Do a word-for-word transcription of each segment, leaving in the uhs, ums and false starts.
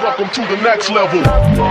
Welcome to the next level.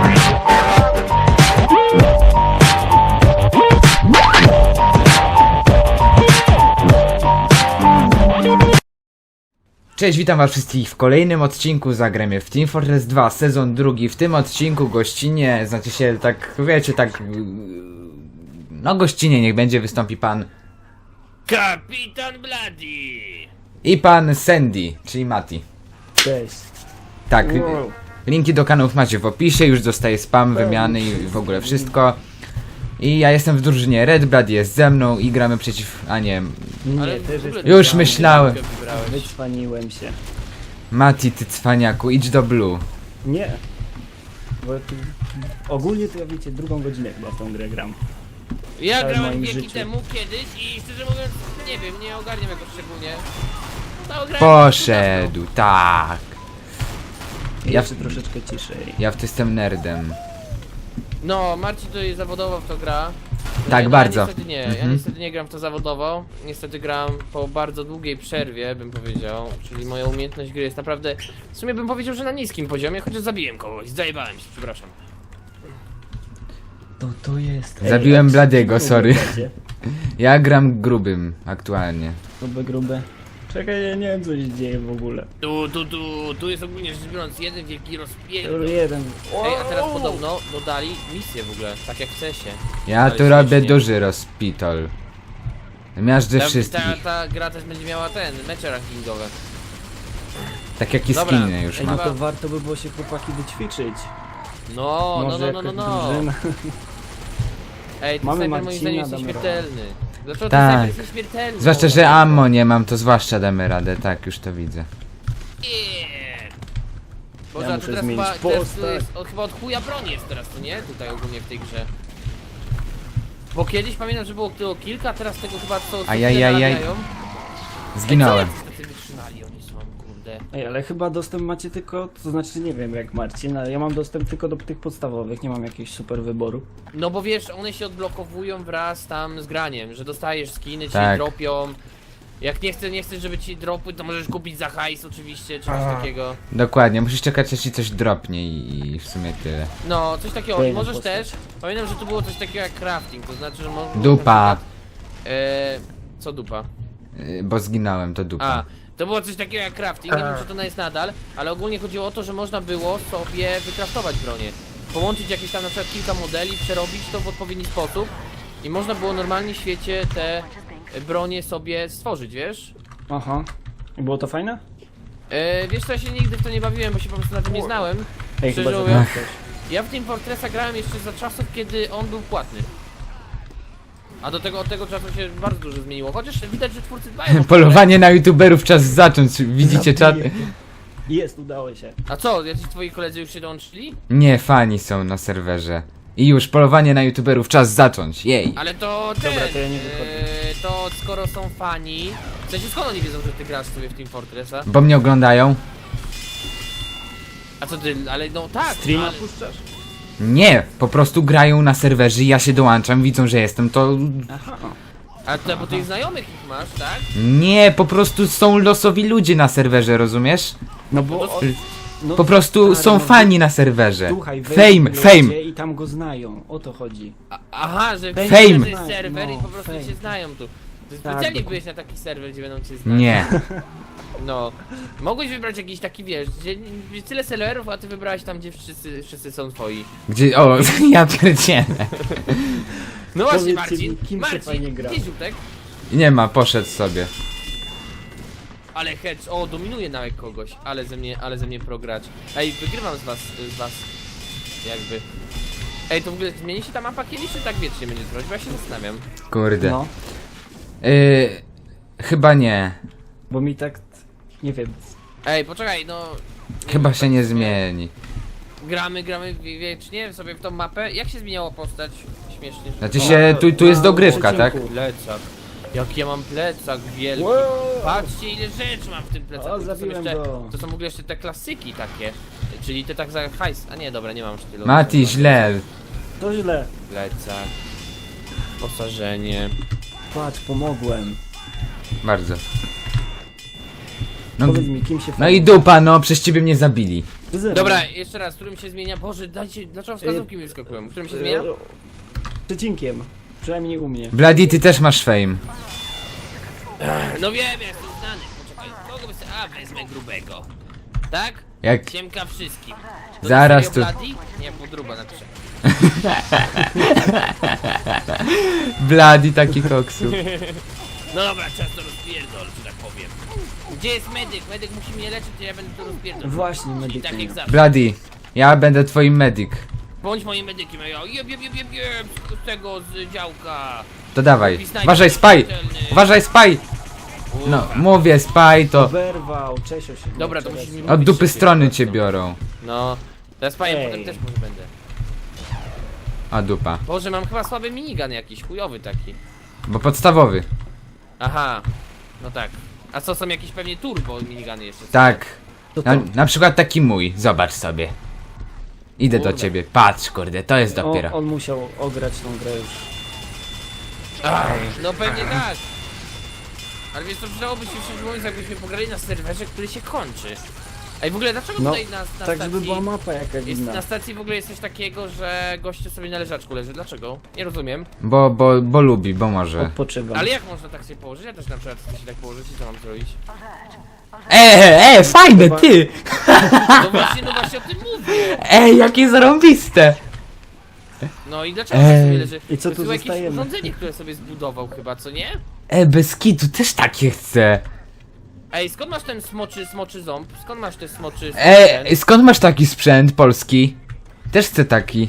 Cześć, witam was wszystkich w kolejnym odcinku Zagramy w Team Fortress dwa, sezon drugi. W tym odcinku gościnie, znaczy się tak, wiecie, tak... No gościnie niech będzie, wystąpi pan... Kapitan Bloody! I pan Sandy, czyli Mati. Cześć. Tak, Wow. linki do kanałów macie w opisie, już dostaję spam, wymiany i w ogóle wszystko. I ja jestem w drużynie Red, Bloody jest ze mną i gramy przeciw... a nie... Nie, Ale też w ogóle jest... Już myślałem. Wycwaniłem się. Mati, ty cwaniaku, idź do Blue. Nie. Bo tu, ogólnie to ja wiecie, drugą godzinę chyba w tą grę gram. Ja całym grałem moim wieki życiu. temu kiedyś i szczerze mówiąc, nie wiem, nie ogarniam jakoś szczególnie. No, grałem Poszedł, tak. Ja, Ja w, troszeczkę ciszej. ja w to jestem nerdem. No, Marcin tutaj zawodowo w to gra. Tak, ja, bardzo. Ja niestety nie, ja Mhm. niestety nie gram w to zawodowo. Niestety gram po bardzo długiej przerwie, bym powiedział. Czyli moja umiejętność gry jest naprawdę, w sumie bym powiedział, że na niskim poziomie, chociaż zabiłem kogoś, zajebałem się, przepraszam. To to jest... Zabiłem a Bladiego, co sorry. będzie? Ja gram grubym aktualnie. Grube, grube. Czekaj, ja nie wiem co się dzieje w ogóle. Tu, tu, tu, tu jest ogólnie rzecz biorąc jeden wielki rozpięć. Jeden. Ej, a teraz podobno dodali misję w ogóle, tak jak w cesie. Ja Ale tu robię śmiesznie. duży rozpitol. Miażdżę Ta, ta, wszystkich. ta gra też będzie miała ten, mecze rankingowe. Tak jak i Dobra. skiny już Ej, ma. no to warto by było się chłopaki wyćwiczyć. No, no, Może no, no, no, jakaś no. drużyna. Ej, ten Mamy snajper moim Marcina, zdaniem jest damy nieśmiertelny. Dlaczego Tak. ten snajper jest nieśmiertelny? Zwłaszcza, No, że no, ammo nie mam, to zwłaszcza damy radę, tak, już to widzę. Nie. Boże, Ja a to muszę teraz zmienić chyba, teraz postać. to jest, od, chyba od chuja broń jest teraz, to nie? Tutaj ogólnie w tej grze. Bo kiedyś pamiętam, że było tylko kilka, a teraz tego chyba co, co Ajajajaj. tyle narabiają. Zginąłem. Ej, co jacyś tacy wytrzymali oni są, kurde. Ej, ale chyba dostęp macie tylko, to znaczy nie wiem jak Marcin, ale ja mam dostęp tylko do tych podstawowych, nie mam jakiegoś super wyboru. No bo wiesz, one się odblokowują wraz tam z graniem, że dostajesz skiny, ci Tak. dropią. Jak nie chcesz, nie chcesz, żeby ci dropły, to możesz kupić za hajs oczywiście, czy coś takiego. Dokładnie, musisz czekać aż ci coś dropnie i, i w sumie tyle. No, coś takiego. I Fajna możesz postać. też, pamiętam, że tu było coś takiego jak crafting, to znaczy, że mo Dupa. E, co dupa? Yy, Bo zginąłem, to A, dupa. to było coś takiego jak crafting, nie wiem czy to jest nadal, ale ogólnie chodziło o to, że można było sobie wykraftować bronię. Połączyć jakieś tam na przykład kilka modeli, przerobić to w odpowiedni sposób i można było normalnie w świecie te bronie sobie stworzyć, wiesz? Aha. I było to fajne? E, wiesz co, ja się nigdy w to nie bawiłem, bo się po prostu na tym nie znałem. Ej, Szczerze chyba mówiąc, zabrałem coś. ja w Team Fortressa grałem jeszcze za czasów, kiedy on był płatny. A do tego, od tego czasu się bardzo dużo zmieniło, chociaż widać, że twórcy dbają o Polowanie na youtuberów, czas zacząć, widzicie czat? Jest, udało się. A co, jacyś twoi koledzy już się dołączyli? Nie, fani są na serwerze. I już, polowanie na youtuberów, czas zacząć, jej. Ale to ten, Dobra, to ja nie wychodzę. e, to skoro są fani, w sensie skąd oni wiedzą, że ty grasz sobie w Team Fortressa? Bo mnie oglądają? A co ty, ale no tak, Streama ale, puszczasz? Nie, po prostu grają na serwerze, ja się dołączam, widzą, że jestem, to... Aha. a to bo tych znajomych ich masz, tak? Nie, po prostu są losowi ludzie na serwerze, rozumiesz? No bo... o- no, Po prostu stary, są no, fani na serwerze. Słuchaj, Fame, wejdą fame. ludzie i tam go znają, o to chodzi. A, aha, że Fame. fame. Fame. To jest serwer i No, po prostu fame. się znają tu. Ty Tak, specjalnie dokładnie. byłeś na taki serwer, gdzie będą cię znać. Nie. No. Mogłeś wybrać jakiś taki, wiesz, gdzie gdzie tyle serwerów, a ty wybrałeś tam, gdzie wszyscy, wszyscy są twoi. Gdzie, o, ja pierdzielę. No właśnie, Powiedzcie Marcin, mi, kim się fajnie Marcin, gra? gdzie Ziutek? Nie ma, poszedł sobie. Ale hedge, o, dominuje nawet kogoś, ale ze mnie, ale ze mnie progracz. Ej, wygrywam z was, z was, jakby. Ej, to w ogóle zmieni się ta mapa kiedyś, czy tak wiecznie będzie trwać? Bo ja się zastanawiam. Kurde. No, Y, chyba nie. bo mi tak... Nie wiem. Ej, poczekaj, no... Chyba się nie zmieni. Gramy, gramy wie- wiecznie sobie w tą mapę. Jak się zmieniała postać? Śmiesznie. że- Znaczy się, tu, tu jest Na dogrywka, tak? przecinku. Plecak. Jak ja mam plecak wielki. Wow. Patrzcie ile rzeczy mam w tym plecaku. O, To są zabiłem jeszcze, go. to są w ogóle jeszcze te klasyki takie. Czyli te tak za hajs. A nie, dobra, nie mam już tylu. Mati, źle. To źle. Plecak. Posażenie. Patrz, pomogłem. Bardzo. No, Powiedz mi, kim się no i dupa, no, przez ciebie mnie zabili. Zero. Dobra, jeszcze raz, którym się zmienia? Boże, dajcie, dlaczego wskazówki mi wyskakują? Którym się zmienia? E, Przecinkiem. Przynajmniej u mnie. Bloody, ty też masz fame. No wiem, ja jestem znany. Poczekaj, kogo by sobie... A, wezmę grubego. Tak? Jak... Ciemka wszystkim. To Zaraz serio tu- Bloody? Nie, podruba na trzech. Bloody taki koksu. No dobra, czas to rozpierdol, że tak powiem. Gdzie jest medyk? Medyk musi mnie leczyć, to ja będę to rozpierdol. Właśnie, Czyli medyk tak nie. jak zawsze. Bloody, ja będę twoim medic. Bądź moim medykiem, a ja jeb, jeb, jeb, jeb, jeb, z tego, z działka. To dawaj. Snajper Uważaj, spy! śmiertelny. Uważaj, spy! No, Uwa. mówię, spy to... Oberwał, Czesio się. Dobra, to nie, musisz mi Od mówić dupy szybciej, strony po cię prostu. biorą. No. Teraz pajem Ej. potem też może będę. A dupa. Boże, mam chyba słaby minigun jakiś, chujowy taki. Bo podstawowy. Aha. No tak. A co, są jakieś pewnie turbo miniguny jeszcze? są? Tak. To Na, to. na przykład taki mój. Zobacz sobie. Idę do Kurde. ciebie. Patrz, kurde, to jest On, dopiero. on musiał ograć tą grę już. Ach, no pewnie tak. Ale wiesz, to przydałoby się szczerze mówiąc, jakbyśmy pograli na serwerze, który się kończy. Ej, w ogóle dlaczego No, tutaj na, na tak stacji... żeby była mapa jakaś Jest, inna. na stacji w ogóle jest coś takiego, że goście sobie na leżaczku leży. Dlaczego? Nie rozumiem. Bo, bo, bo lubi, bo może. Odpoczywam. Ale jak można tak się położyć? Ja też na przykład chcę się tak położyć i co mam zrobić? Eee, e, fajne, ty! No właśnie, no właśnie o tym mówię. Ej, jakie zarąbiste! No i dlaczego tak Ej. sobie leży? I co To tu jest jakieś zostajemy? urządzenie, które sobie zbudował chyba, co nie? E, bez kitu, też takie chcę. Ej, skąd masz ten smoczy, smoczy ząb? Skąd masz te smoczy... E, skąd masz taki sprzęt polski? Też chcę taki.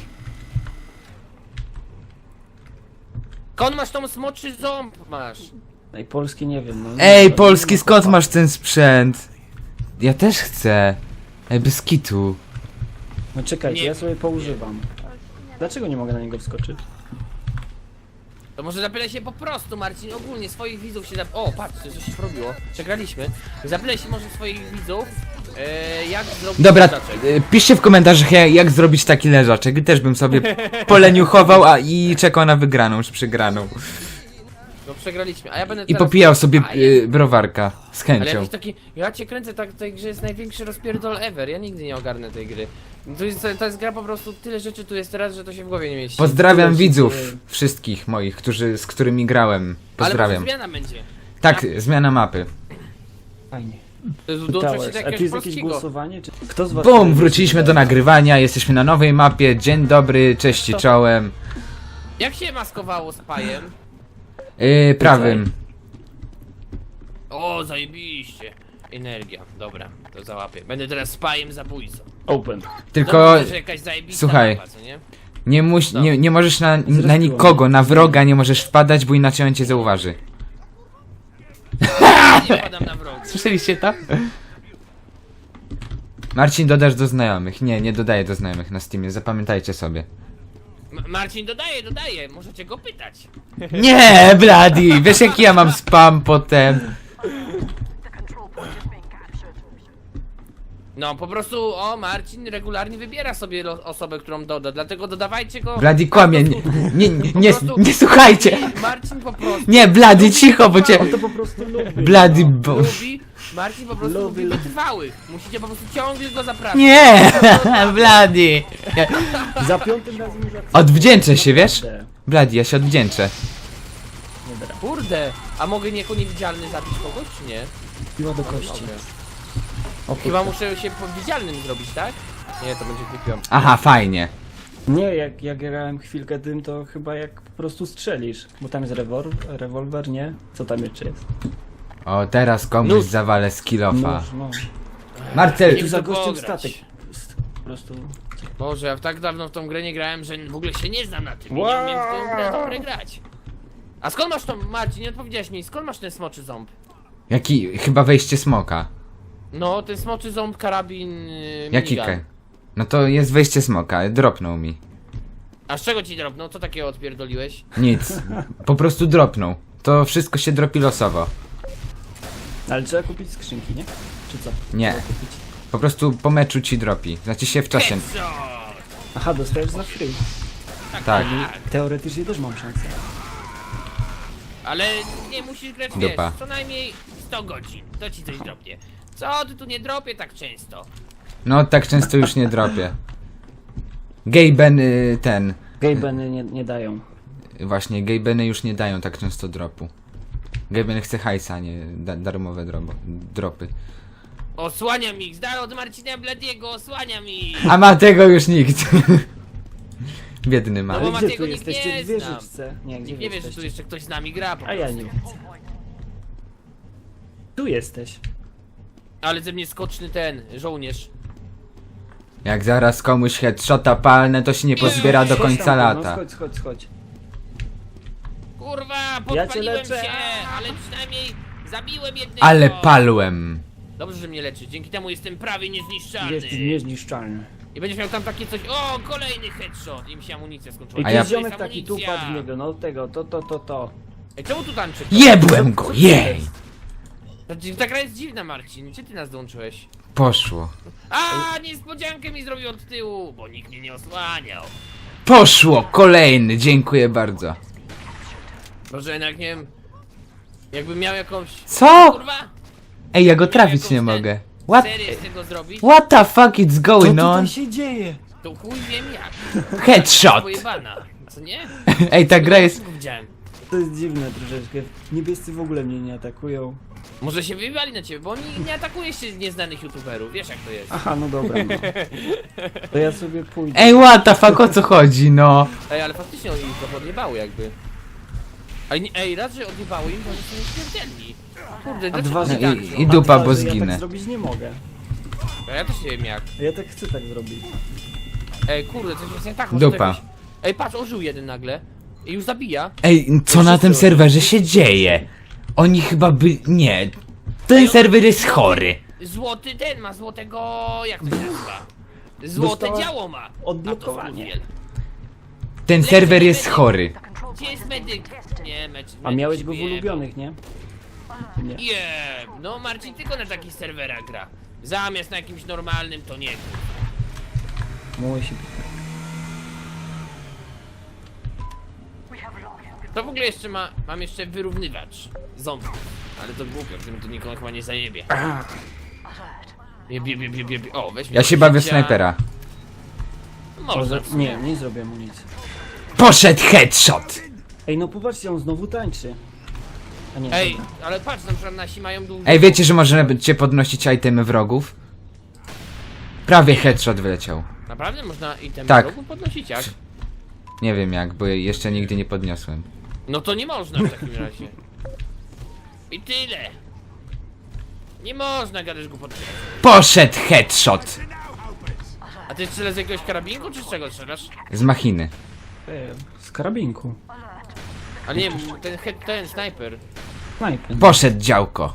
Skąd masz tą smoczy ząb masz? Ej, polski nie wiem. No, Ej, nie- polski, nie ma skąd kopa. masz ten sprzęt? Ja też chcę. Ej, bez kitu. No czekajcie, Nie. ja sobie poużywam. Dlaczego nie mogę na niego wskoczyć? To może zapytaj się po prostu, Marcin, ogólnie swoich widzów się zap... O, patrzcie, coś się porobiło. Przegraliśmy. Zapytaj się może swoich widzów, e, jak zrobić Dobra, leżaczek. e, piszcie w komentarzach jak, jak zrobić taki leżaczek. Też bym sobie poleniuchował a, i czekał na wygraną czy przegraną. No przegraliśmy, a ja będę I teraz... popijał sobie A, ja... e, browarka z Ale chęcią. jakiś taki... Ja cię kręcę, tak w tej grze jest największy rozpierdol ever, ja nigdy nie ogarnę tej gry. To jest, to jest gra po prostu, tyle rzeczy tu jest teraz, że to się w głowie nie mieści. Pozdrawiam Tyle się widzów dzieje. wszystkich moich, którzy, z którymi grałem. Ale Pozdrawiam. może zmiana będzie. Tak, zmiana mapy. Fajnie. To jest dołączyć się Towers. do A tu jakiegoś jest jakieś polskiego. głosowanie? Czy... Kto z was... Bum, wróciliśmy do nagrywania, jesteśmy na nowej mapie. Dzień dobry, cześć i czołem. Jak się maskowało z pajem? Yy, prawym. O, zajebiście. Energia, dobra, to załapię. Będę teraz spajem zabójcą. Open. Tylko Dobrze, że jakaś zajebista słuchaj. mapa, co nie? nie, muś, No. nie, nie możesz na, na Zrespiło nikogo, na wroga nie możesz wpadać, bo inaczej on cię zauważy. Nie padam na wrogu. Słyszeliście to? Marcin, dodasz do znajomych. Nie, nie dodaję do znajomych na Steamie, zapamiętajcie sobie. M Marcin dodaje, dodaje, możecie go pytać. Nie, Bloody, wiesz jaki ja mam spam potem. No, po prostu, o, Marcin regularnie wybiera sobie lo- osobę, którą doda, dlatego dodawajcie go... Bloody kłamie, nie, nie, nie, nie, prostu- nie słuchajcie. Marcin po prostu... Nie, Bloody, cicho, bo cię... On to po prostu lubi. Bloody, no. bo... Lubi, Marcin po prostu Lubi, lubi lubi. wytrwałych. Musicie po prostu ciągle go zapraszać. Nie, Bloody. Za piątym razem już Odwdzięczę się, wiesz? Naprawdę. Bloody, ja się odwdzięczę. Dobra. Kurde, a mogę jako niewidzialny zabić kogoś, czy nie? Piła do kości. Mogę. O, Chyba kurde. muszę się po widzialnym zrobić, tak? Nie, to będzie kupiłem. Aha, fajnie. Nie, jak, jak grałem chwilkę tym, to chyba jak po prostu strzelisz. Bo tam jest rewol rewolwer, nie? Co tam jeszcze jest? O, teraz komuś Nóż. zawalę skillofa. Nóż, no. Marcel, Tu za tu gościem pograć. statek. S- Po prostu... Boże, ja tak dawno w tą grę nie grałem, że w ogóle się nie znam na tym i Wow. nie umiem w tą grę, tą grę grać. A skąd masz tą, Marcin, nie odpowiedziałeś mi, skąd masz ten smoczy ząb? jaki, chyba wejście smoka. No, ten smoczy ząb, karabin, yy, Jaki minigun. ke? No to jest wejście smoka, dropnął mi. A z czego ci drobno? Co takiego odpierdoliłeś? Nic, po prostu dropnął. To wszystko się dropi losowo. Ale trzeba kupić skrzynki, nie? Czy co? Nie. Trzeba kupić. Po prostu po meczu ci dropi. Znaczy się w czasie. Headshot! Aha, dostajesz za free. Tak. Teoretycznie też mam szansę. Ale nie musisz grać, Dupa. wiesz, co najmniej sto godzin, to ci coś dropnie. Co ty tu nie dropie tak często? No tak często już nie dropię. Gejben y, ten. Gejbeny nie, nie dają. Właśnie, gejbeny już nie dają tak często dropu. Gejben chce hajsa, nie da darmowe drobo, dropy. Osłania mi, z dala od Marcina Bladiego, osłania mi! A ma tego już nikt. Biedny ma. No bo Ale gdzie Matiego tu nikt jesteście? nie W zna. wieżyczce. Nie, gdzie Nikt wy nie wie, że tu jesteście? jeszcze ktoś z nami gra po A ja prostu. nie widzę. Tu jesteś. Ale ze mnie skoczny ten, żołnierz. Jak zaraz komuś headshota palnę, to się nie pozbiera do Chodź końca tam, lata. No, chodź, chodź, chodź. Kurwa, Ja cię podpaliłem leczę. się, ale przynajmniej zabiłem jednego. Ale palłem. Dobrze, że mnie leczy, dzięki temu jestem prawie niezniszczalny. Jesteś niezniszczalny. I będziesz miał tam takie coś, o, kolejny headshot. I mi się amunicja skończyła. I A tu ja- jest To jest ziomek taki tu amunicja. padł w niego, no tego, to, to, to, to. Ej, czemu tu tańczy? Jebłem go, jej! Ta, ta gra jest dziwna, Marcin, gdzie ty nas dołączyłeś? Poszło. A, niespodziankę mi zrobił od tyłu, bo nikt mnie nie osłaniał. Poszło! Kolejny, dziękuję bardzo. Może jednak nie wiem, jakbym miał jakąś... Co? Kurwa! Ej, ja go trafić jakąś nie ten- mogę. What? Serię z tego zrobić? What the fuck is Co going tutaj on? się dzieje? To chuj wiem jak. Headshot! Pojebana, co nie? Ej, ta gra jest... Tylko widziałem. To jest dziwne troszeczkę. Niebiescy w ogóle mnie nie atakują. Może się wyjebali na ciebie, bo oni nie atakuje się nieznanych youtuberów, wiesz jak to jest. Aha, no dobra, no. To ja sobie pójdę. Ej, what the fuck, o co chodzi, no? Ej, ale faktycznie oni ich trochę odjebały jakby. Ej, nie- ej raz, że odjebały im, to oni są nieśmiertelni. Kurde, A dlaczego dwa, że oni I- tak i zrobią? du- dupa, A dwa, bo że Ja zginę. tak zrobić nie mogę. A ja też nie wiem jak. Ja tak chcę tak zrobić. Ej, kurde, coś jest nie tak. może to Dupa. jakoś- Ej, patrz, ożył jeden nagle. I już zabija. Ej, co na tym serwerze się dzieje? Oni chyba by... nie. Ten serwer jest chory. Złoty ten ma złotego... jak to się nazywa? Złote Dostała działo ma. odblokowanie. A to Fluviel. Ten serwer jest chory. Gdzie jest medyk? Nie, mecz. A miałeś go w ulubionych, nie? Nie. Nie, no Marcin tylko na takich serwerach gra. Zamiast na jakimś normalnym to nie. Musi być. To w ogóle jeszcze ma, mam jeszcze wyrównywacz ząbów. Ale to głupio, w tym to nikogo chyba nie zajebie. Jeb, jeb, jeb, jeb, jeb. O, weź mnie Ja się do bawię w życia. snajpera. Można Może... w sumie. Nie, nie zrobię mu nic. Poszedł headshot! Ej, no popatrzcie, on znowu tańczy. A nie, Ej, dobra. ale patrz, na przykład nasi mają dużo. Ej, wiecie, że możecie podnosić itemy wrogów? Prawie headshot wyleciał. Naprawdę można item Tak. wrogów podnosić jak? Nie wiem jak, bo jeszcze nigdy nie podniosłem. No to nie można w takim razie. I tyle. Nie można gadać głupoty. Poszedł headshot! A ty strzelasz z jakiegoś karabinku, czy z czego strzelasz? Z machiny. Ej, z karabinku. Ale nie, ten, he- ten snajper. Snajper. Poszedł działko.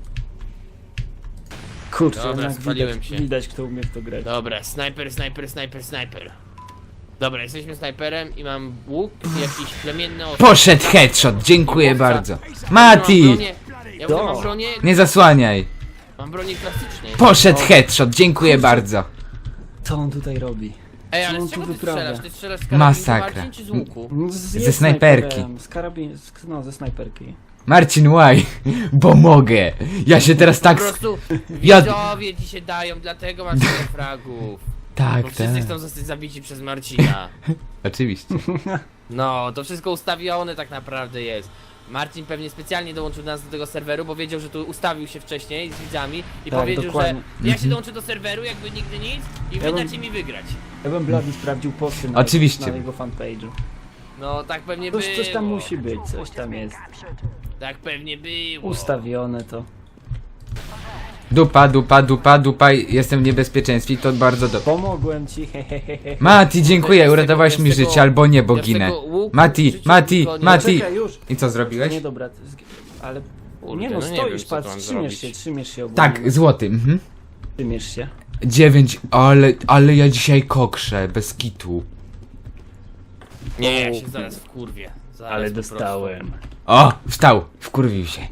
Kurczę, Dobra, jednak spaliłem widać, się. widać kto umie w to grać. Dobra, snajper, snajper, snajper, snajper. Dobra, jesteśmy snajperem i mam łuk, jakiś plemienny osób. Poszedł headshot, dziękuję bardzo. Mati! Ja Do. mam bronię, Nie zasłaniaj. mam bronię klasycznej. Poszedł headshot, dziękuję bardzo. Co on tutaj robi? Ej, co ale on z tu czego ty wyprawia? strzelasz? Ty strzelasz z karabinku, Masakra. Marcin, czy z łuku? No, z, Ze jest snajperki. snajperem, Z karabin... Z, no, ze snajperki. Marcin, why? Bo mogę. Ja się teraz Po tak... prostu Ja- widzowie ci się dają, dlatego masz tyle fragów. Bo Tak, wszyscy tak. chcą zostać zabici przez Marcina. Oczywiście. No, to wszystko ustawione tak naprawdę jest. Marcin pewnie specjalnie dołączył nas do tego serweru, bo wiedział, że tu ustawił się wcześniej z widzami i Tak, powiedział, dokładnie. że ja się dołączę do serweru, jakby nigdy nic i wy Ja bym- dacie mi wygrać. Ja bym Blady sprawdził posty na, Oczywiście. na jego fanpage'u. No, tak pewnie Coś, było. coś tam musi być, coś tam jest. Tak pewnie było. Ustawione to. Dupa, dupa, dupa, dupa. Jestem w niebezpieczeństwie, to bardzo dobrze. Pomogłem ci, hehehe. Mati, dziękuję, Ja z tego- uratowałeś ja z mi tego- życie, albo nie, bo ja z ginę. tego łuku Mati, w życiu Mati, tylko nie- Mati. Czekaj, już. I co zrobiłeś? Nie dobra, to zg- ale... Kurde, nie no, no nie stoisz, wiem, co tu patrz, mam trzymiesz zrobić. się, trzymiesz się ogólnie. Tak, złoty, mhm. Trzymiesz się. Dziewięć, ale, ale ja dzisiaj kokrzę, bez kitu. Nie, ja się zaraz wkurwię. Zaraz Ale po prostu. dostałem. O, wstał, wkurwił się.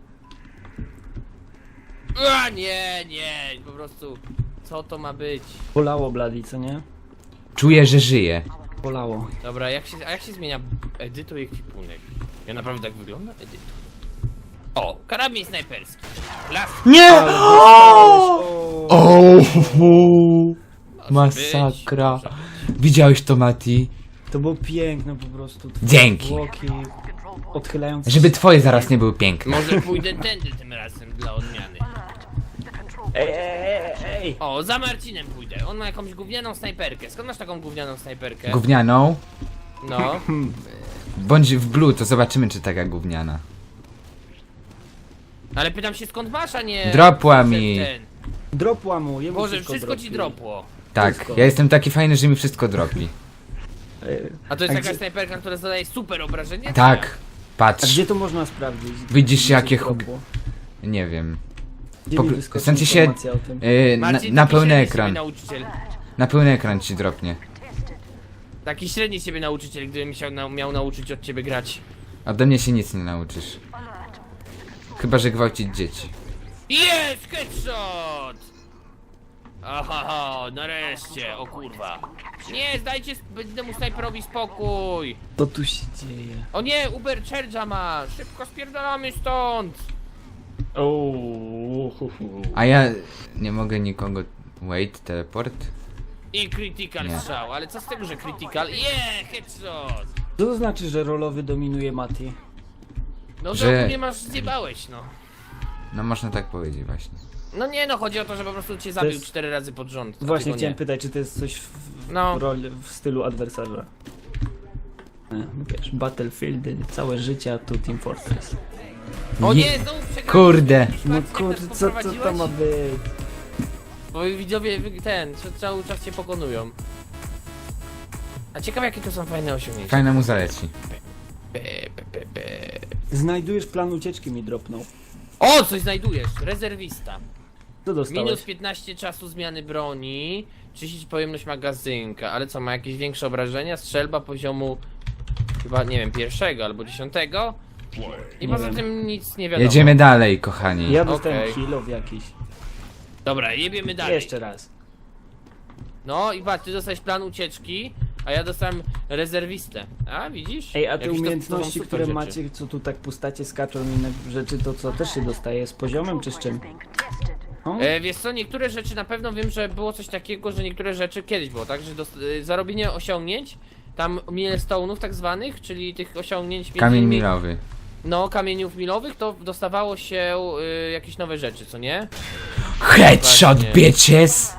A nie, nie, po prostu. Co to ma być? Bolało Blady, co nie? Czuję, że żyję. Bolało. Dobra, jak się, a jak się zmienia edytu i ekwipunek? Ja naprawdę tak wygląda? Edytu. O, karabin snajperski. Las. Nie! Ale dostałeś, o. O, Może masakra. być, może. Widziałeś to, Mati? To było piękne po prostu. Twoje Dzięki. Zwłoki odchylające Żeby się. twoje zaraz nie były piękne. Może pójdę tędy tym razem dla odmiany. Ej, ej, ej, ej! O, za Marcinem pójdę. On ma jakąś gównianą snajperkę. Skąd masz taką gównianą snajperkę? Gównianą? No. Bądź w blue, to zobaczymy, czy taka gówniana. Ale pytam się skąd masz, a nie... Dropła mi. Ten. Dropła mu, jemu Boże, wszystko dropi. ci dropło. Tak, Wszystko. ja jestem taki fajny, że mi wszystko dropi. Ej, A to jest A taka gdzie- snajperka, która zadaje super obrażenie? Tak, A patrz. gdzie to można sprawdzić? Widzisz, Gdzie jakie coś hu- dropło? Nie wiem. Gdzie Po- mi wyskoczy w sensie się- informacja o tym? Yy, na, Marcin, na taki pełny średni ekran. siebie nauczyciel. Na pełny ekran ci dropnie. Taki średni siebie nauczyciel, gdybym się na, miał nauczyć od ciebie grać. Ode mnie się nic nie nauczysz. Chyba, że gwałcić dzieci. Jest! Headshot! Aha, nareszcie, o kurwa. Nie, zdajcie temu snajperowi spokój. Co tu się dzieje? O nie, Uber Charge'a ma! Szybko spierdalamy stąd! Ooo, hu, hu. A ja nie mogę nikogo... Wait, teleport? I critical Nie. strzał, ale co z tego, że critical? Je, headshot! Co to znaczy, że rolowy dominuje Mati? No Że- że nie masz, zjebałeś, no. No można tak powiedzieć właśnie. No nie no, chodzi o to, że po prostu cię zabił jest- cztery razy pod rząd. a Właśnie ty go chciałem nie. pytać, czy to jest coś w, w, No. roli, w stylu adwersarza. E, Wiesz, Battlefield, całe życie, a tu Team Fortress. O Nie- nie, znowu przegrałem. Kurde. No Jak nas kurde, co, co to poprowadziłeś? ma być? Bo widzowie wy- ten, co- cały czas cię pokonują. A ciekawe jakie to są fajne osiągnięcia. Fajna mu zaleci. Be, be, be, be. Znajdujesz plan ucieczki, mi dropnął. O, coś znajdujesz! Rezerwista. Co dostałeś? Minus piętnaście czasu zmiany broni, trzydzieści pojemność magazynka, ale co, ma jakieś większe obrażenia? Strzelba poziomu chyba, nie wiem, pierwszego albo dziesiątego? I Nie poza wiem. tym nic nie wiadomo. Jedziemy dalej, kochani. Ja dostałem Okej. kill of jakiś. Dobra, jebiemy dalej. Jeszcze raz. No i patrz, ty dostałeś plan ucieczki, a ja dostałem rezerwistę. A, widzisz? Ej, a te Jakieś to- to są umiejętności, super które rzeczy. macie, co tu tak postacie skaczą i inne rzeczy, to co też się dostaje? Z poziomem czy z czym? O? E, wiesz co, niektóre rzeczy na pewno wiem, że było coś takiego, że niektóre rzeczy kiedyś było, tak? Że dost- e, zarobienie osiągnięć, tam milestone'ów tak zwanych, czyli tych osiągnięć między Kamień innymi- milowy. No, kamieniów milowych, to dostawało się y, jakieś nowe rzeczy, co nie? Headshot, Właśnie. bitches!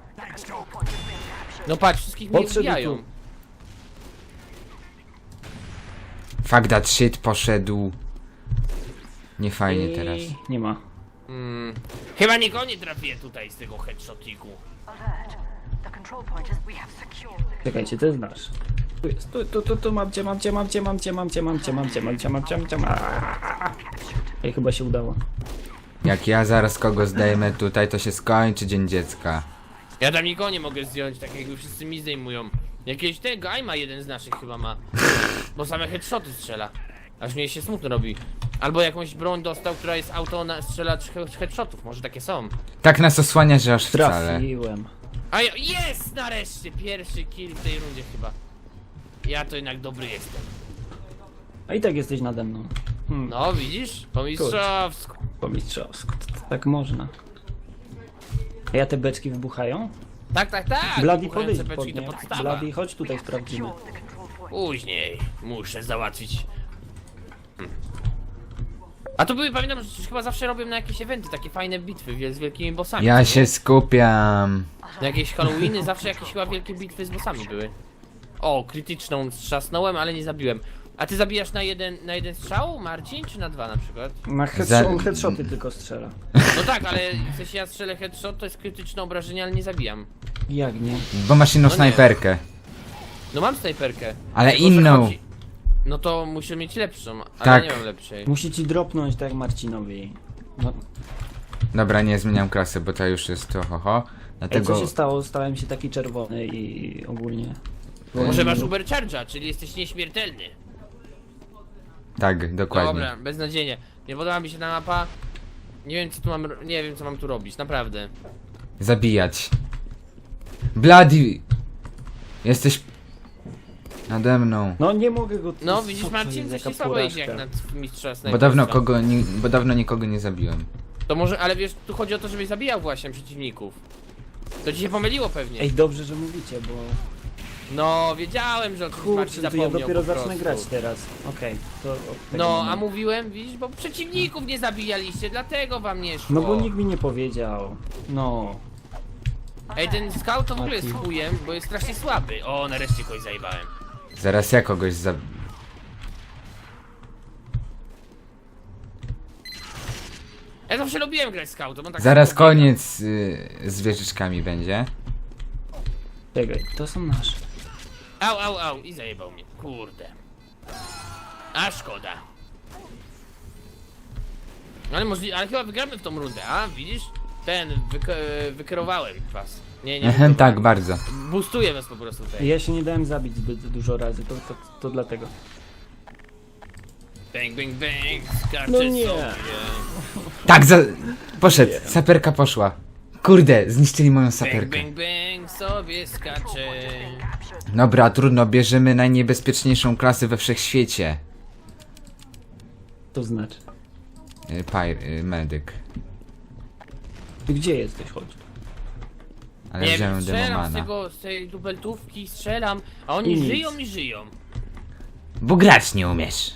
No patrz, wszystkich mnie Podszedł ubijają. tu. Fuck that shit, poszedł. Nie fajnie I- teraz. Nie ma. Mm, chyba nikogo nie trafię tutaj z tego headshotiku. Alert. The control point is we have secured the Czekajcie, to jest nasz. Tu jest, tu, tu, tu, tu, mam cię, mam cię, mam cię, mam cię, mam cię, mam cię, mam cię, mam cię, mam cię, mam cię, mam Ej, chyba się udało. Jak ja zaraz kogo zdejmę tutaj, to się skończy Dzień Dziecka. Ja tam nikogo nie mogę zdjąć, tak jakby wszyscy mi zdejmują. Jakiegoś tego, Aima jeden z naszych chyba ma. Bo same headshoty strzela. Aż mnie się smutno robi. Albo jakąś broń dostał, która jest auto na strzela he- headshotów, może takie są. Tak nas osłania, że aż wcale. Trafiłem. A ja, jest nareszcie pierwszy kill w tej rundzie chyba. Ja to jednak dobry jestem. A i tak jesteś nade mną. Hmm, No widzisz? Po mistrzowsku. po mistrzowsku. To- to Tak można. A ja te beczki wybuchają? Tak, tak, tak. Bloody, wybuchające podejdź pod beczki to nie. podstawa. Bloody, chodź tutaj, sprawdzimy. the control point. Później muszę załatwić. Hmm. A to były, pamiętam, że chyba zawsze robią na jakieś eventy, takie fajne bitwy wie- z wielkimi bossami. Ja się skupiam. Na jakieś Halloweeny zawsze jakieś chyba wielkie bitwy z bossami były. O, krytyczną strzasnąłem, ale nie zabiłem. A ty zabijasz na jeden, na jeden strzał, Marcin, czy na dwa na przykład? Na headshot, Za- on headshoty tylko strzela. No tak, ale w sensie ja strzelę headshot, to jest krytyczne obrażenie, ale nie zabijam. Jak nie? Bo masz inną No nie. snajperkę. No mam snajperkę. Ale Tylko, że inną. chodzi- No to muszę mieć lepszą, ale Tak. nie mam lepszej. Musi ci dropnąć tak jak Marcinowi. No, Dobra, nie zmieniam klasy, bo to już jest to ho ho. Ej, Dlatego co się stało? Stałem się taki czerwony i ogólnie. Może masz Uber Charge'a, czyli jesteś nieśmiertelny. tak, dokładnie. Dobra, beznadziejnie. Nie podoba mi się ta mapa. Nie wiem co tu mam, ro- nie wiem co mam tu robić, naprawdę. Zabijać. Bloody! Jesteś nade mną. No nie mogę go... No co widzisz to Marcin, jest, coś jaka ci słabo idzie jak porażka. na mistrza Bo dawno snajperstwa. kogo, ni, bo dawno nikogo nie zabiłem. To może, ale wiesz, tu chodzi o to, żebyś zabijał właśnie przeciwników. To ci się pomyliło pewnie. Ej, dobrze, że mówicie, bo... No, wiedziałem, że o tym Marcin Kurczę, to ja zapomniał dopiero po zacznę prostu. grać teraz. Okej, to... od tego No, a momentu. mówiłem, widzisz, bo przeciwników nie zabijaliście, dlatego wam nie szło. No bo nikt mi nie powiedział. No. Ej, ten scout to w ogóle jest Mati. chujem, bo jest strasznie słaby. O, nareszcie kogoś zajebałem. Zaraz ja kogoś za... Ja zawsze lubiłem grać scoutem, on tak Zaraz samo biega. koniec y, z wieżyczkami będzie. Czekaj, to są nasze. Au, au, au, i zajebał mnie, kurde. A szkoda. Ale możliwe, ale chyba wygramy w tą rundę, a widzisz? Ten, wyk wykierowałem was. Nie, nie. Ehem, wykierowałem. tak, bardzo. Boostuję was po prostu tutaj. Ja się nie dałem zabić zbyt dużo razy, to, to, to dlatego. Bang, bang, bang, skaczę No nie. sobie. Tak, za... poszedł, saperka poszła. Kurde, zniszczyli moją Bang, saperkę. bang, bang, sobie skaczę. Dobra, trudno, bierzemy najniebezpieczniejszą klasę we wszechświecie. To znaczy. Y, Pir, y, medyk. Ty gdzie jesteś, chodź? Ale Nie wziąłem wiem, strzelam z, demomana. tego, z tej dubeltówki, strzelam, a oni I nic. żyją i żyją. Bo grać nie umiesz.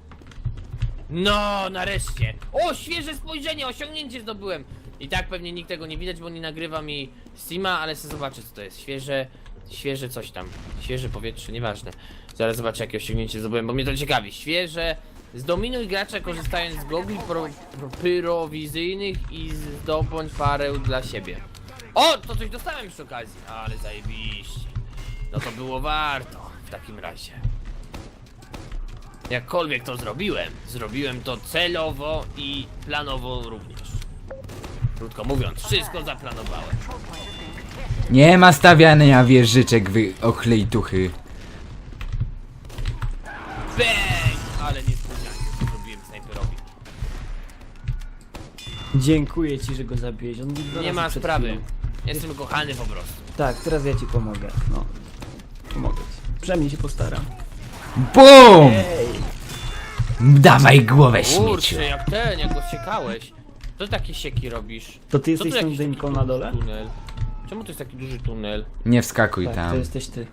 No, nareszcie. O, świeże spojrzenie, osiągnięcie zdobyłem. I tak pewnie nikt tego nie widać, bo nie nagrywa mi Steama, ale chcę zobaczyć, co to jest. Świeże, świeże coś tam. Świeże powietrze, nieważne. Zaraz zobaczę, jakie osiągnięcie zdobyłem, bo mnie to ciekawi. Świeże. Zdominuj gracza korzystając z gogli pro, pro, pyrowizyjnych i zdobądź parę dla siebie. O, to coś dostałem przy okazji. Ale zajebiście. No to było warto w takim razie. Jakkolwiek to zrobiłem, zrobiłem to celowo i planowo również. Krótko mówiąc, wszystko zaplanowałem. Nie ma stawiania wieżyczek, wy ochlejtuchy. Bang! Ale niespodziankę to zrobiłem snajperowi. Dziękuję ci, że go zabiłeś. On mi dwa Nie razy ma przed sprawy. chwilą. Jestem kochany po prostu. Tak, teraz ja ci pomogę. No. Pomogę ci. Przynajmniej się postaram. BUM! Ej! Dawaj głowę, śmieciu. Kurczę, jak ten, jak go siekałeś. Co takie sieki robisz? To ty Co jesteś tu tą jakiś taki dymką duży na dole? Tunel? Czemu to jest taki duży tunel? Nie wskakuj Tak, to tam. jesteś ty.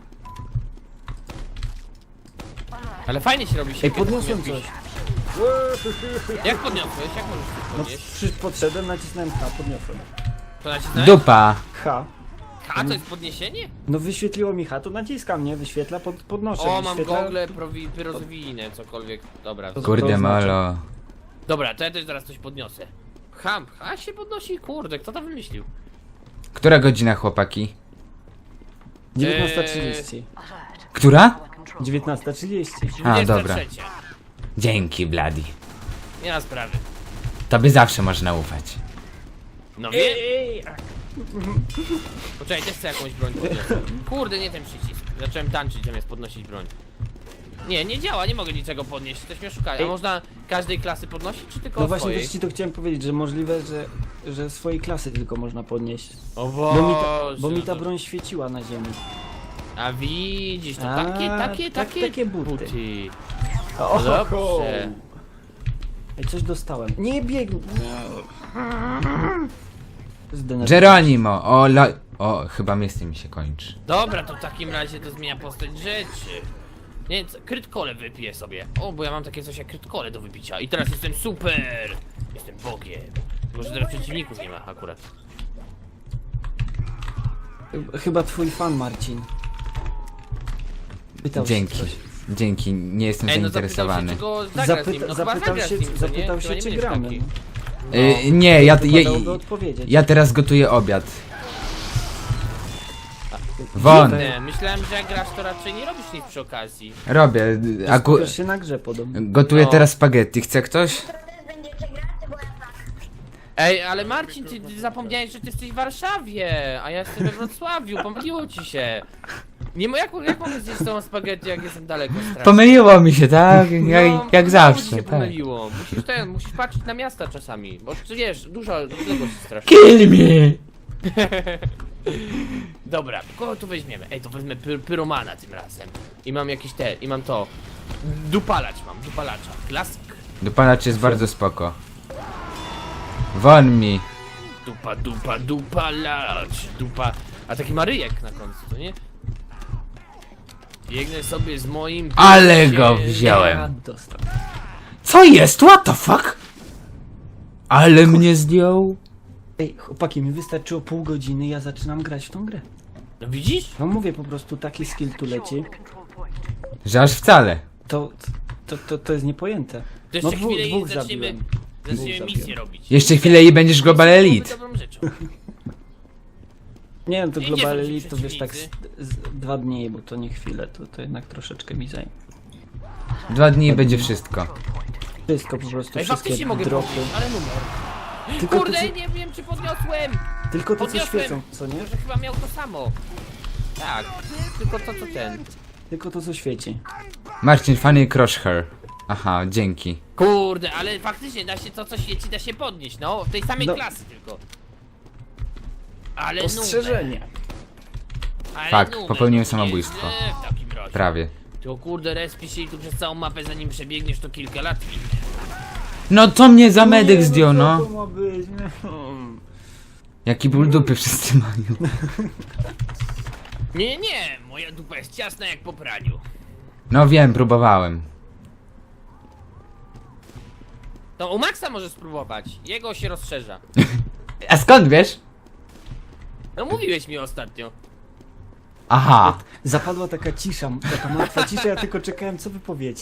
Ale fajnie się robi Ej, siekę. podniosłem taki coś. jakiś- Jak podniosłeś? Jak możesz to No, podnieść? przy, podszedłem, nacisnąłem H, podniosłem. To nacisnąłeś? Dupa. H. A, to jest podniesienie? No wyświetliło mi H, to naciskam, nie? Wyświetla, pod, podnoszę. O, mam wyświetla... gogle prowi- pyrozwijne, cokolwiek. Dobra. To- Kurde to znaczy- molo. Dobra, to ja też zaraz coś podniosę. Ham, ha się podnosi? Kurde, kto to wymyślił? Która godzina, chłopaki? dziewiętnasta trzydzieści. Która? dziewiętnasta trzydzieści. A, dobra. dwudziesta trzecia. Dzięki, Bladi. Nie ma sprawy. Tobie zawsze można ufać. No wiem. Poczekaj, też chcę jakąś broń podniosę. Kurde, nie ten przycisk. Zacząłem tańczyć zamiast podnosić broń. Nie, nie działa, nie mogę niczego podnieść, ktoś mnie szuka. A Ej. można każdej klasy podnosić, czy tylko No właśnie swojej? też ci to chciałem powiedzieć, że możliwe, że, że swojej klasy tylko można podnieść. O Bo mi, ta, Boże, bo mi no ta to- broń świeciła na ziemi. A widzisz, to A, takie, takie, tak- takie, takie buty. O, dobrze. Ej, coś dostałem. Nie biegnij. Zdenerwowałem. Geronimo, o la... O, chyba miejsce mi się kończy. Dobra, to w takim razie to zmienia postać rzeczy. Nie, co, krytkole wypiję sobie. O, bo ja mam takie coś jak krytkole do wypicia. I teraz jestem super! Jestem bogiem. Może teraz przeciwników nie ma akurat. Chyba twój fan, Marcin. Pytał się Dzięki. coś. Dzięki, nie jestem Ej, no zapytał się, zainteresowany. czy go zagra z nim. Zapyta, No chyba zapytał zagra się, z nim, co nie? zapytał Chyba się nie czy będziesz gramy. taki. No. Y, nie, ja, ja, Wypadałoby odpowiedzieć. ja teraz gotuję obiad. Won, Nie, myślałem, że jak grasz, to raczej nie robisz nic przy okazji. robię. Aku... Skupiasz się na grze podobno. Gotuję No. teraz spaghetti, chce ktoś? Ej, ale Marcin, ty ty zapomniałeś, że ty jesteś w Warszawie, a ja jestem we Wrocławiu, pomyliło ci się. Nie, mo- jak, jak mogę zjeść tą spaghetti, jak jestem daleko strasznie? Pomyliło mi się, tak? Jak, No, jak znowu ci zawsze, się tak. pomyliło. Musisz ten, musisz patrzeć na miasta czasami, bo ty wiesz, dużo odległość jest strasznie. Kill me! Dobra, kogo tu weźmiemy? Ej, to wezmę py pyromana tym razem. I mam jakieś te, i mam to. Dupalacz mam, dupalacza. Klasyk. Dopalacz jest bardzo spoko. Won mi. Dupa, dupa, dupa, lać, dupa. A taki ma ryjek na końcu, to nie? Biegnę sobie z moim... Ale go się- wziąłem. A, dostał. Co jest? What the fuck? Ale mnie zdjął. Ej, chłopaki, mi wystarczyło pół godziny, ja zaczynam grać w tą grę. No widzisz? No mówię po prostu, taki skill tu leci. Secure the control point. Że aż wcale. To, to, to, to jest niepojęte. To jeszcze No dwu, chwilę i dwóch zaczniemy, zabiłem. zaczniemy Dwóch misję zabiłem. robić. Jeszcze chwilę i będziesz Global Byłoby Elite. dobrą rzeczą. Nie wiem, to Nie, nie Global są ci Elite to wiesz tak z, przeciwnicy. z dwa dni, bo to nie chwilę, to, to jednak troszeczkę mi zajmie. Dwa dni i będzie wszystko. Wszystko po prostu, Ej, wszystkie faktycznie mogę dropy. podnieść, ale numer. Tylko to, Kurde, co, nie wiem czy podniosłem! tylko to co podniosłem. świecą, co nie? Może chyba miał to samo. Tak, tylko to co ten. Tylko to co świeci. Marcin, funny crush her. Aha, dzięki. Kurde, ale faktycznie da się to co świeci, da się podnieść, no. W tej samej No. klasy tylko. Ale Ostrzeżenie. numer, ale Fakt, numer, popełniłem no, samobójstwo. nie, w takim razie. Prawie. To kurde, respi się i tu przez całą mapę zanim przebiegniesz to kilka lat minie. No to mnie za medyk Nie, zdjął, co no. to ma być? No. Jaki ból dupy wszyscy mają. Nie, nie, moja dupa jest ciasna jak po praniu. No wiem, próbowałem. To u Maxa możesz spróbować, jego się rozszerza. A skąd wiesz? No mówiłeś mi ostatnio. Aha. Zapadła taka cisza, taka martwa cisza, ja tylko czekałem co wy powiecie.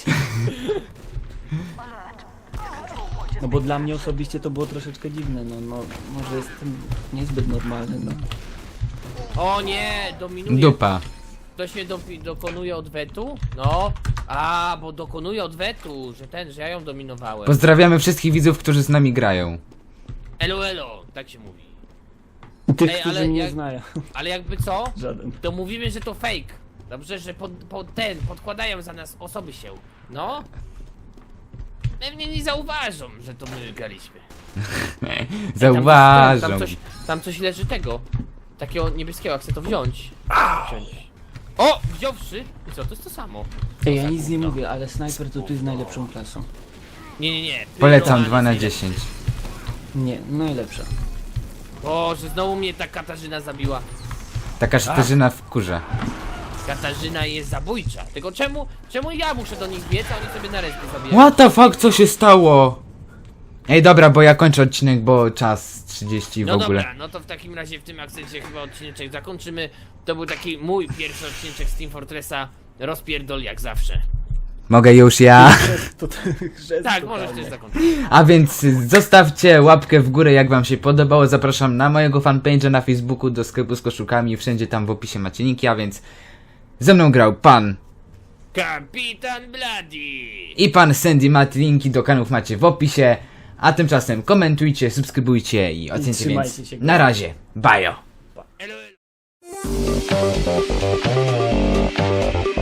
No bo dla mnie osobiście to było troszeczkę dziwne, no, no może jestem niezbyt normalny, no. O nie, dominuje. Dupa. Ktoś mnie do, dokonuje odwetu? No. A, bo dokonuje odwetu, że ten, że ja ją dominowałem. Pozdrawiamy wszystkich widzów, którzy z nami grają. Elo, elo, tak się mówi. Tych, Ej, którzy ale mnie jak- nie znają. Ale jakby co? Żaden. To mówimy, że to fake. Dobrze, że pod, pod ten, podkładają za nas osoby się. No. Pewnie nie zauważą, że to my graliśmy. Ej, tam coś- Zauważą. Tam coś, tam coś leży tego. Takiego niebieskiego, chcę to wziąć. wziąć. O! Wziąwszy! I co, to jest to samo. Ej, ja za nic nie gówno. mówię, ale snajper to tu jest najlepszą klasą. Nie, nie, nie. Polecam Pyroman dwa na jest najlepszy. dziesięć. Nie, najlepsza. Boże, znowu mnie ta Katarzyna zabiła. Taka szterzyna w kurze. Katarzyna jest zabójcza. Tylko czemu, czemu ja muszę do nich biec, a oni sobie na resztę zabijają? What the fuck, co się stało? Ej, dobra, bo ja kończę odcinek, bo czas trzydzieści w No ogóle. dobra, no to w takim razie w tym akcencie chyba odcineczek zakończymy. To był taki mój pierwszy odcineczek z Team Fortressa. Rozpierdol jak zawsze. Mogę już ja. To, to, chrzest Tak, totalny. możesz też zakończyć. A więc zostawcie łapkę w górę, jak wam się podobało. Zapraszam na mojego fanpage'a na Facebooku, do sklepu z koszulkami. Wszędzie tam w opisie macie linki, a więc ze mną grał pan Kapitan Bloody! i pan Sandy Matt. Linki do kanałów macie w opisie. A tymczasem komentujcie, subskrybujcie i ocencie, trzymajcie więc się, na razie. Bajo. Elo, elo.